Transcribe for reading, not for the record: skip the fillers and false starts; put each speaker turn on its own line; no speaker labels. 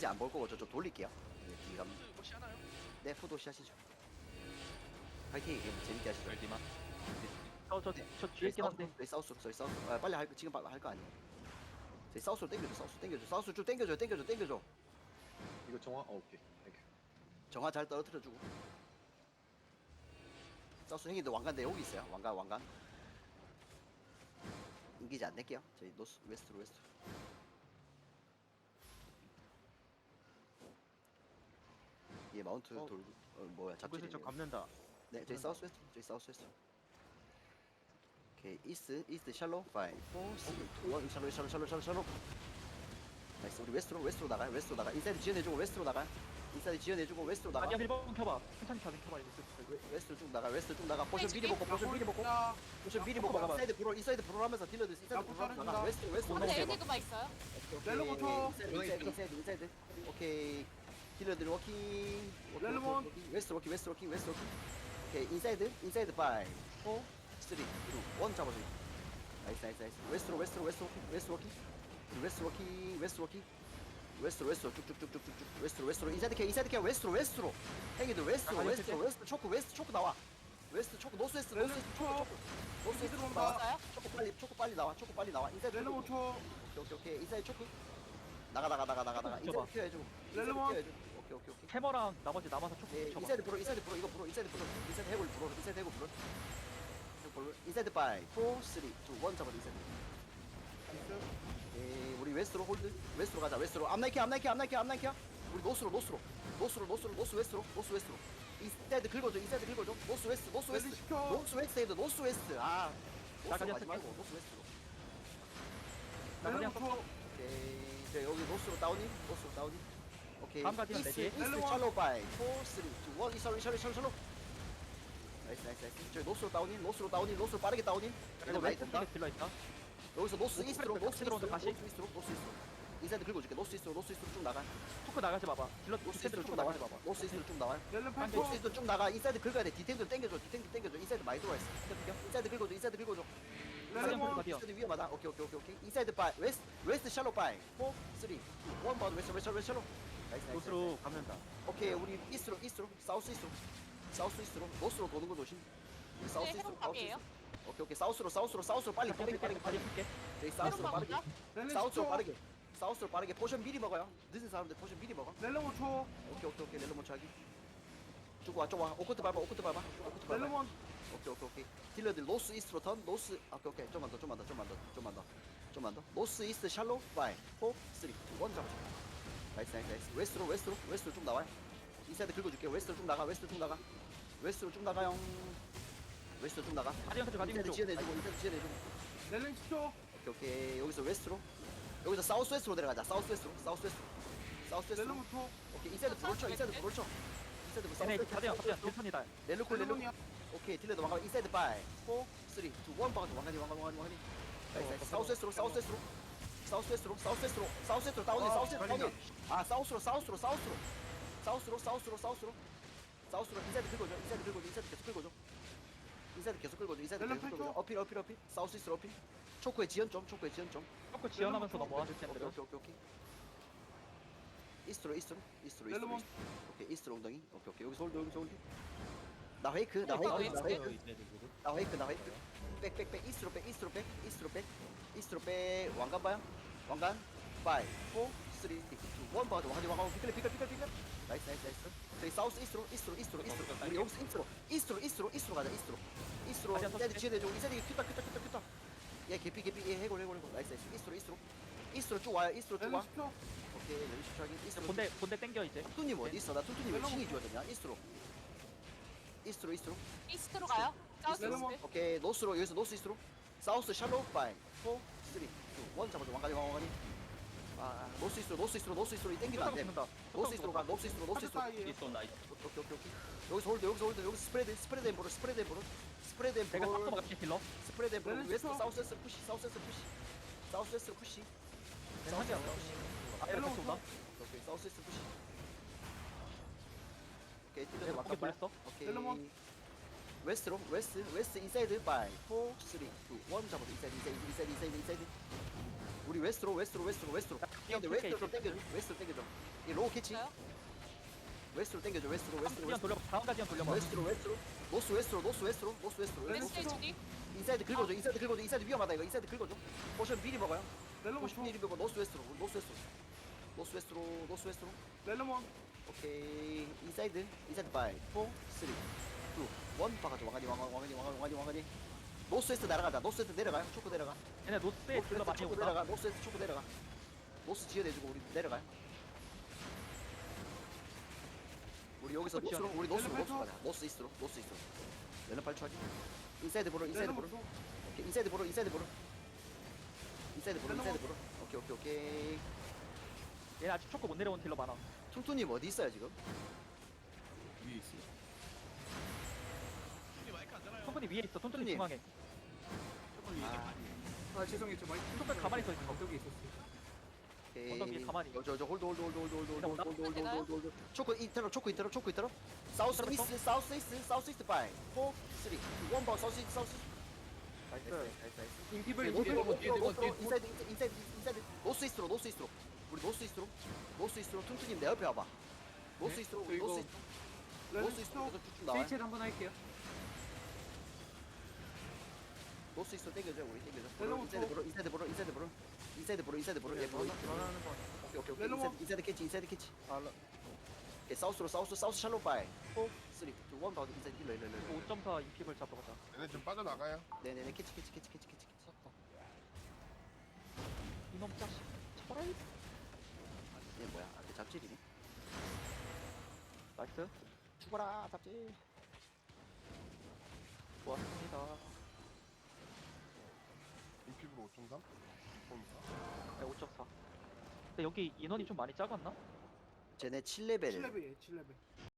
게이지 안 볼 거고 저쪽 돌릴게요. 네, 기감.
혹시 하나요?
네, 푸도시 하시죠. 파이팅. 예, 재밌게 하시죠.
열디만.
저 뒤에 있긴 한데.
저희 사우스로, 저희 사우스. 아, 빨리 지금 할 거 아니에요. 저희 사우스로 땡겨줘, 사우스 땡겨줘, 사우스 쭉 땡겨줘.
이거 정화 오케이 땡큐.
정화 잘 떨어뜨려주고. 사우스 형님들 왕관 내 여기 있어요. 왕관. 인기지 안 낼게요. 저희 노스, 웨스트로. 예, 마운트 돌고. 뭐야, 잡지.
저 감는다.
네, 저희 사우스 웨스트. 오케이, 이스트 샬로 5 4 3 2 1 샬로. 나이스. 우리 웨스트로 나가. 인사이드 지연해주고 웨스트로 나가. 웨스트로 나가.
아니야 1번 켜봐. 천천히 켜봐 이거.
웨스트로 쭉 나가. 포션 미리 먹고.
야,
포션 미리 먹고. 인사이드 브로 하면서 딜러들 인사이드 브로 하면서 나가. 웨스트로.
근데 에디그마 있어요?
렐로부터.
인사이드. 오케이. 딜러들 워킹.
렐로몬.
웨스트 워킹. 오케이, 인사이드 5 4 3 2 1 잡아줘. 나이스. 웨스트로 워킹. 웨스트로 쭉쭉쭉쭉쭉. 웨스트로. 인사이드 케어. 웨스트로. 행이들 웨스트 초크 나와. 웨스트 초크 노스웨스트 초크 나와. 초크 빨리 나와. 인사이드
렐로
초크.
5초.
오케이. 인사이드 초크. 나가. 인사이드 케어 해주고.
렐로몬.
오케이.
캐머랑 나머지 남아서 촉
예,
쳐봐.
인사이드 브로. 인사이드 해골 브로. 인사이드 5 4 3 2 1 잡아. 인사이드. 예, 우리 웨스트로 홀드. 웨스트로 가자. 암나이키야. 우리 노스로. 노스 웨스트로. 인사이드 긁어줘. 노스 웨스트. 노스 웨스트. 아,
나
노스로
그냥
가지 말고
쓸게.
노스 웨스트로.
나 그냥
렐로 5초.
오케이. 자, 여기 노스로 다운이. 오케이.
다음 가디언 내지.
이스트 샬로 5 4 3 2 1 샬로. 나이스. 저기 노스로 다운인. 노스로 빠르게 다운인. 이거 많이 된다.
딜러 있다.
여기서 노스 이스트로.
다시.
인사이드 긁어줄게. 노스 이스트로 쭉 나가.
토크 나가지 봐봐. 딜러
노스
디펜드로
이스트로
쭉
쭉 나가.
나가지 봐봐.
노스 이스트로 쭉 나와.
렐로
노스
8초.
이스트로 쭉 나가. 인사이드 긁어야 돼. 디탱들 땡겨줘. 인사이드 많이 들어와 있어. 인사이드 긁어줘.
렐로몬.
가디언.
인사이드 위험하다. 오케이. 인사이드 5 웨스트 샬로 5 4 3 2 1 바우드 웨스트 샬로. 나이스.
노스로 감는다.
오케이, 우리 이스트로. 사우스 이스트로. 노스로 도는 거 조심. 우리 사우스
네,
이스트로.
해본 답이에요.
오케이. 사우스로 빨리 빠르게.
풀게.
저희 사우스로
해본
빠르게.
답이야?
사우스로 빠르게. 포션 미리 먹어요. 늦은 사람들 포션 미리 먹어.
렐로 5초.
오케이. 렐로 못 차기. 쭉 와. 오코트 밟아.
렐로몬.
오케이. 딜러들 노스 이스트로 턴. 오케이. 좀만 더. 노스 이스트 샬로 5 4 3 2 1 잡아. 나이스. 웨스트로 쭉 나와요. 인사이드 긁어줄게. 웨스트로 쭉 나가. 웨스트로 쭉 나가요.
가디언 가디언
인사이드
쪽.
지어내주고.
렐로 10초.
오케이. 여기서 웨스트로. 여기서 사우스 웨스트로 내려가자. 사우스 웨스트로.
렐로 5초.
오케이. 인사이드 브롤 쳐. 인사이드
얘네
사우스
가디언
웨스트로.
딜선이다.
렐로콜.
렐로몬이야.
오케이. 딜러드 왕관. 인사이드 5 4 3 2 1 박아줘. 왕관이. 나이스. 사우스 웨스트로 다운이. 아, 사우스로. 인사이드 계속 긁어줘. 어필. 사우스 이스트로 어필. 초코의 지연 좀.
토크 지원하면서 넘어와.
오케이. 이스트로.
렐로몬.
오케이, 이스트로 엉덩이. 오케이. 여기서 홀드. 나 페이크. 백. 이스트로 백. 왕관 봐요. 왕관. 5 4 3 2 1 봐줘. 왕관. 피클. 나이스. 저희 사우스 이스트로. 우리 여기서 이스트로 가자. 이스트로. 인사이드 지어내줘. 인사이드 큐타. 얘 개피. 얘 해골. 나이스. 이스트로 쭉 와요.
렐로 10초.
오케이. 레디 슈트하기. 이스트로.
본대 땡겨 이제.
투님 어디 있어? 나 투님 왜 칭이 줘야 이스트로.
이스트로 가요? 사우스
렐로몬.
이스트?
오케이. 노스로. 여기서 노스 이스트로. 사우스 샬로 5 4 3 2 1 잡아줘. 왕관이. 아, 노스 이스트로. 이 땡기면 안 돼. 노스 이스트로 가.
카드 사이에.
이스톤 나이스.
오케이. 여기서 홀드. 여기서 스프레드 앤
내가
볼.
탑도 막게 딜러.
스프레드 앤 볼.
렐로
웨스트
쳐.
사우스에서 푸시. 사우스에서 푸시.
하지 않나? 앞에
렐로
같이 온다.
오케이. 사우스에서 푸시. 오케이.
내가
딜러
막게 불렸어.
오케이.
렐로몬.
웨스트로. 웨스트 인사이드 5 4 3 2 1 잡아줘. 인사이드. 우리 웨스트로 근데 웨스트로 좀 땡겨줘 웨스트로 땡겨줘 이 로우 캐치
있어요?
웨스트로 땡겨줘 웨스트로
지연 돌려. 다음까지만 돌려봐.
웨스트로 노스 웨스트로
웨스트 주디.
인사이드 긁어줘 인사이드 위험하다 이거 인사이드 긁어줘 포션 미리 먹어요
렐로몬
포션 미리 먹어 노스 웨스트로
렐로몬
오케이 인사이드 5 4 3 2 1 박아줘 왕아니 노스 웨스트 날아가자 노스 웨스트 내려가요 초코 내려가
얘네 노스에 딜러 많이
초코
온다.
내려가 노스 웨스트 초코 내려가 노스 지어내주고 우리 내려가요 우리 여기서
초코
노스로
지어내.
우리 노스로
렐로
가자 노스 이스트로 렐로 8초 하기 인사이드 보러 오케이 인사이드 보러 오케이
얘네 아직 초코 못 내려온 딜러 많아.
퉁퉁님 어디 있어요 지금?
위에 있어.
톤톤이 위에 있어. 톤톤이
톤톤이.
중앙에.
아 죄송해요 저 마이크
톤톤 가만히 서 있어.
여기 있었어요
언덕 위에 가만히.
저 홀드
되나요?
초코 인터로 사우스 이스트 5 4 3 2 1 바 사우스
나이스.
인피블
인사이드 노스 이스트로 우리 노스 이스트로 퉁퉁님 내 옆에 와봐 노스 이스트로
그리고
노스 이스트로 계속 쭉쭉 나와요
스위치 한번 할게요
노스 이스트로 땡겨줘 우리
렐로
땡겨줘 인사이드 보러 예 보러 오케이
렐로
인사이드 캐치 오케이 사우스 샬로 바이 4 3 2 1 바로 인사이드 힐러
5.4 EP를 잡으러 가자.
얘네 좀 빠져나가요.
네네네 캐치
이놈 자식. 쳐라.
얘 뭐야 아 잡질이네
나이스.
죽어라 잡질
좋았습니다.
인피브로 5.3?
네, 5.4. 근데 여기 인원이 좀 많이 작았나?
쟤네 7레벨
7레벨이에요 7레벨